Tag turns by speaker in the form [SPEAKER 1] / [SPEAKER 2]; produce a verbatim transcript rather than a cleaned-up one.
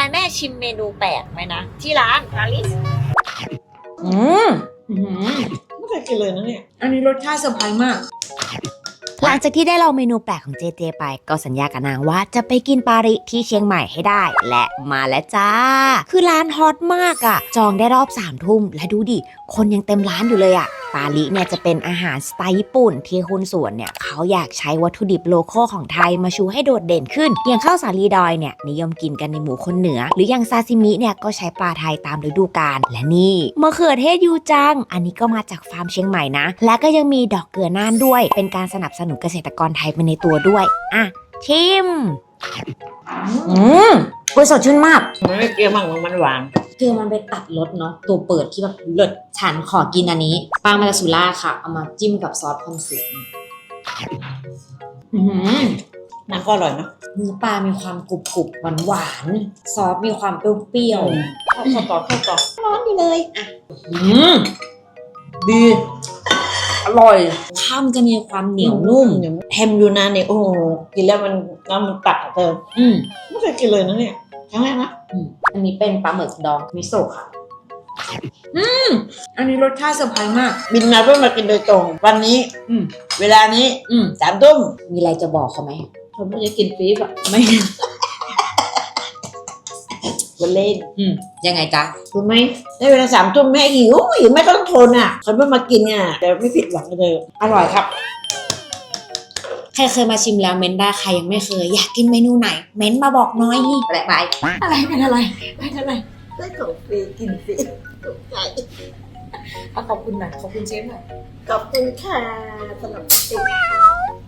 [SPEAKER 1] ายแม่ชิมเมนูแปลกไหมนะที่ร้านปาริส
[SPEAKER 2] อืมอืม
[SPEAKER 3] ไม่เคยกินเลยนะเนี่ย
[SPEAKER 2] อันนี้รสชาติเซอร์ไพรส์มาก
[SPEAKER 4] หลังจากที่ได้ลองเมนูแปลกของเจเจไปก็สัญญากับนางว่าจะไปกินปาริที่เชียงใหม่ให้ได้และมาแล้วจ้าคือร้านฮอตมากอะ่ะจองได้รอบสามทุ่มและดูดิคนยังเต็มร้านอยู่เลยอะ่ะปาริเนี่ยจะเป็นอาหารสไตล์ญี่ปุ่นที่คุณสวนเนี่ยเขาอยากใช้วัตถุดิบโลคอลของไทยมาชูให้โดดเด่นขึ้นอย่างข้าวสาลีดอยเนี่ยนิยมกินกันในหมู่คนเหนือหรืออย่างซาซิมิเนี่ยก็ใช้ปลาไทยตามฤดูกาลและนี่มะเขือเทศยูจังอันนี้ก็มาจากฟาร์มเชียงใหม่นะและก็ยังมีดอกเกลือน่านด้วยเป็นการสนับสนุนเกษตรกรไทยไปในตัวด้วยอ่ะชิมอืมกุยสดชื่นมาก
[SPEAKER 3] มันไม่เกลียวมากมันหวาน
[SPEAKER 2] คือมันไปตัดรสเนาะตัวเปิดที่แบบเลิศฉันขอกินอันนี้ปลามาจากสุราษฎร์ค่ะเอามาจิ้มกับซอสคอนสึอือ
[SPEAKER 3] น้ำก็อร่อยเนาะ
[SPEAKER 2] เนื้อปลามีความกรุบกรุบหวานหวานซอสมีความเปรี้ยว
[SPEAKER 3] ข้าวต่อข้าวต่อ
[SPEAKER 2] ร้อนอยู่เลยอ่ะอืมดีอร่อยข้าวมันจะมีความเหนียวนุ่ม
[SPEAKER 3] แฮมยูนานเนี่ยโอ้โหกินแล้วมันน้ำมันตัดเติม
[SPEAKER 2] อืม
[SPEAKER 3] ไม่เคยกินเลยนะเนี่ยครั้งแรกนะ
[SPEAKER 2] อืมอันนี้เป็นปลาหมึกดองมิโซะค่ะอืมอันนี้รสชาติเซอร์ไพรส์มาก
[SPEAKER 3] บินมาเพื่อมากินโดยตรงวันนี้
[SPEAKER 2] อืม
[SPEAKER 3] เวลานี้
[SPEAKER 2] อืม
[SPEAKER 3] สามทุ่ม
[SPEAKER 2] มีอะไรจะบอกเขาไหม
[SPEAKER 3] เขาไม่ได้กินฟรีป่ะ
[SPEAKER 2] ไม่
[SPEAKER 3] วันเล่น
[SPEAKER 2] อืมยังไงจ๊ะ
[SPEAKER 3] รู้ไหมได้เวลาสามทุ่มแม่หิวหิวไม่ต้องทนอ่ะคนเพิ่งมากินอ่ะแต่ไม่ผิดหวังเลยอร่อยครับ
[SPEAKER 2] ใครเคยมาชิมแล้วเม้นได้ใครยังไม่เคยอยากกินเมนูไหนเม้นมาบอกน้อยแปลกไป
[SPEAKER 3] อะไรเป็นอะไรเป็นอะไรได้ของฟรีกินฟรีตกใจ
[SPEAKER 2] ขอบคุณหน่อยขอบคุณเชฟหน่อย
[SPEAKER 3] ขอบคุณค่ะสำหรับ